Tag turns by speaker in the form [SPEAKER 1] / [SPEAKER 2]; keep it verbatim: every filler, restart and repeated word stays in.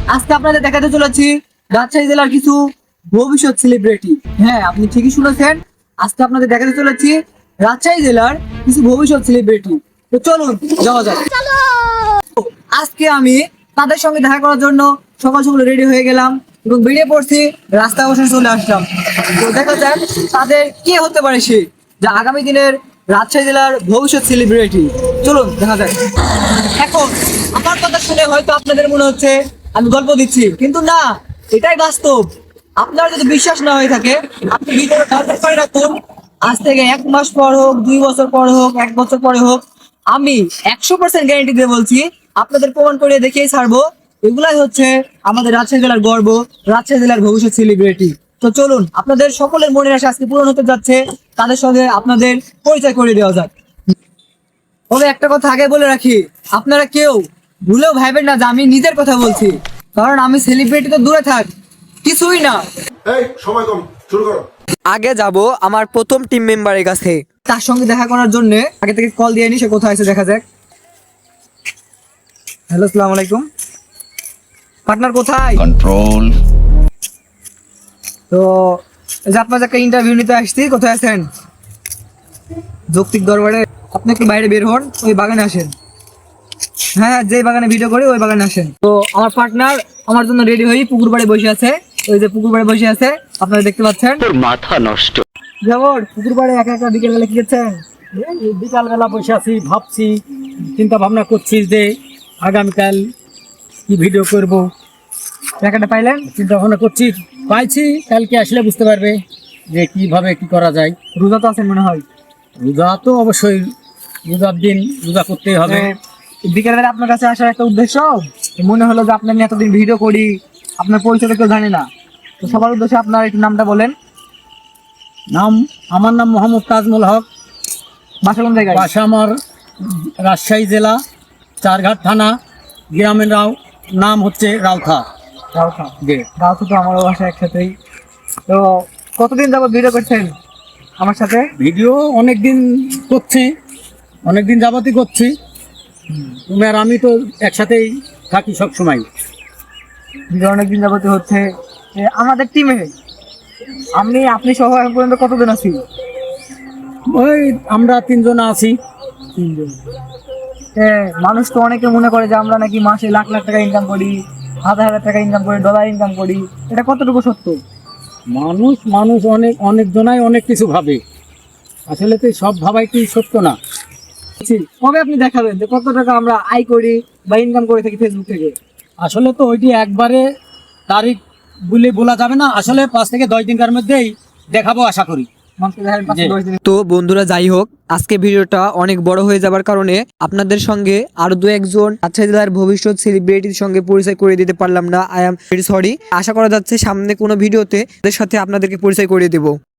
[SPEAKER 1] আজকে আপনাদের দেখাতে চলেছি রাজশাহী জেলার কিছু ভবিষ্যৎ সেলিব্রিটি। হ্যাঁ, আপনি ঠিকই শুনেছেন, আজকে আপনাদের দেখাতে চলেছি রাজশাহী জেলার কিছু ভবিষ্যৎ সেলিব্রিটি। তো চলুন যাওয়া যাক। আজকে আমি তাদের সঙ্গে দেখা করার জন্য সকাল সকাল রেডি হয়ে গেলাম এবং বেরিয়ে পড়ছি, রাস্তা অবশ্য চলে আসলাম। তো দেখা যাক তাদের কে হতে পারে সে যা আগামী দিনের রাজশাহী জেলার ভবিষ্যৎ সেলিব্রিটি। চলুন দেখা যাক। এখন আমার কথা শুনে হয়তো আপনাদের মনে হচ্ছে আমি গল্প দিচ্ছি, কিন্তু না, এটাই বাস্তব। আপনার যদি বিশ্বাস না হয়ে থাকে, আপনি ভিডিওটা ডাউনলোড করে রাখুন। আজ থেকে এক মাস পর হোক, দুই বছর পর হোক, এক বছর পরে হোক, আমি একশো পার্সেন্ট গ্যারেন্টি দিয়ে বলছি, আপনাদের প্রমাণ করে দেখিয়ে ছাড়বো। এগুলাই হচ্ছে আমাদের রাজশাহী জেলার গর্ব, রাজশাহী জেলার ভবিষ্যৎ সেলিব্রিটি। তো চলুন, আপনাদের সকলের মনের আশা আজকে পূরণ হতে যাচ্ছে, তাদের সঙ্গে আপনাদের পরিচয় করে দেওয়া যাক। তবে একটা কথা আগে বলে রাখি, আপনারা কেউ ভুলেও ভাইবেন না যে আমি নিজের কথা বলছি, কারণ আমি সেলিব্রিটি তো দূরে থাক, কিছুই না।
[SPEAKER 2] এই সময় কম, শুরু করো।
[SPEAKER 1] আগে যাব আমার প্রথম টিম মেম্বারের কাছে, তার সঙ্গে দেখা করার জন্য আগে থেকে কল দিয়ে নি, সে কোথায় আছে দেখা যাক। হ্যালো, আসসালামু আলাইকুম। পার্টনার কোথায়?
[SPEAKER 3] কন্ট্রোল।
[SPEAKER 1] তো এই যে আপনার একটা ইন্টারভিউ নিতে আসছি, কোথায় আছেন? যৌক্তিক দরবারে। আপনি একটু বাইরে বের হন, ওই বাগানে আসেন। হ্যাঁ, যে বাগানে ভিডিও করি ওই বাগানে আসেন। তো আমার পার্টনার আমার জন্য রেডি হয়ে পুকুর পাড়ে বসে আছে। ওই যে পুকুর পাড়ে বসে আছে, আপনারা দেখতে পাচ্ছেন।
[SPEAKER 4] তোর মাথা নষ্ট।
[SPEAKER 1] যেমন পুকুর পাড়ে একা একা বিকেল বেলা কি করছেন?
[SPEAKER 5] বিকাল বেলা বসে আছি, ভাবছি, চিন্তা ভাবনা করছি যে আগামীকাল কি ভিডিও করব।
[SPEAKER 1] টাকাটা পাইলেন?
[SPEAKER 5] চিন্তা ভাবনা করছি, পাইছি, কালকে আসলে বুঝতে পারবে যে কিভাবে কি করা যায়।
[SPEAKER 1] রোজা তো আছেন মনে হয়।
[SPEAKER 5] রোজা তো অবশ্যই, রোজার দিন রোজা করতেই হবে।
[SPEAKER 1] বিকেল বেলা আপনার কাছে আসার একটা উদ্দেশ্য, মনে হলো যে আপনার নিয়ে এতদিন ভিডিও করি, আপনার পরিচয় কেউ জানে না। তো সবার উদ্দেশ্যে আপনার একটু নামটা বলেন।
[SPEAKER 5] নাম, আমার নাম মোহাম্মদ তাজমুল হক।
[SPEAKER 1] বাসা কোন জায়গায়?
[SPEAKER 5] বাসা আমার রাজশাহী জেলা, চারঘাট থানা, গ্রামের রাও, নাম হচ্ছে রাউথা।
[SPEAKER 1] রাউথা।
[SPEAKER 5] জি,
[SPEAKER 1] রাউথা তো আমারও বাসা একসাথেই। তো কতদিন যাবত ভিডিও করছেন আমার সাথে?
[SPEAKER 5] ভিডিও অনেক দিন করছি, অনেক দিন যাবতই করছি। তুমি আর আমি তো একসাথেই থাকি সব সময়।
[SPEAKER 1] ভিডিও অনেক দিন যাবত হচ্ছে। এ, আমাদের টিমে আমি আপনি সহ এখন পর্যন্ত কতদিন আছি?
[SPEAKER 5] ওই আমরা তিনজন আছি।
[SPEAKER 1] তিনজন। হ্যাঁ, মানুষ তো অনেকে মনে করে যে আমরা নাকি মাসে লাখ লাখ টাকা ইনকাম করি, হাজার হাজার টাকা ইনকাম করি, ডলার ইনকাম করি। এটা কতটুকু সত্য?
[SPEAKER 5] মানুষ মানুষ অনেক অনেক জনাই অনেক কিছু ভাবে, আসলে তো সব ভাবাই কি সত্য না।
[SPEAKER 1] কবে আপনি দেখাবেন যে কত টাকা আমরা আয় করি বা ইনকাম করে থাকি ফেসবুক থেকে?
[SPEAKER 5] আসলে তো ওইটি একবারে তারিখ বলে বলা যাবে না, আসলে পাঁচ থেকে দশ দিনকার মধ্যেই দেখাবো আশা করি।
[SPEAKER 1] তো বন্ধুরা, যাই হোক, আজকে ভিডিওটা অনেক বড় হয়ে যাবার কারণে আপনাদের সঙ্গে আরো দু একজন রাজশাহী জেলার ভবিষ্যৎ সেলিব্রিটির সঙ্গে পরিচয় করে দিতে পারলাম না। I am very sorry. আশা করা যাচ্ছে সামনে কোনো ভিডিওতে এদের সাথে আপনাদেরকে পরিচয় করিয়ে দেবো।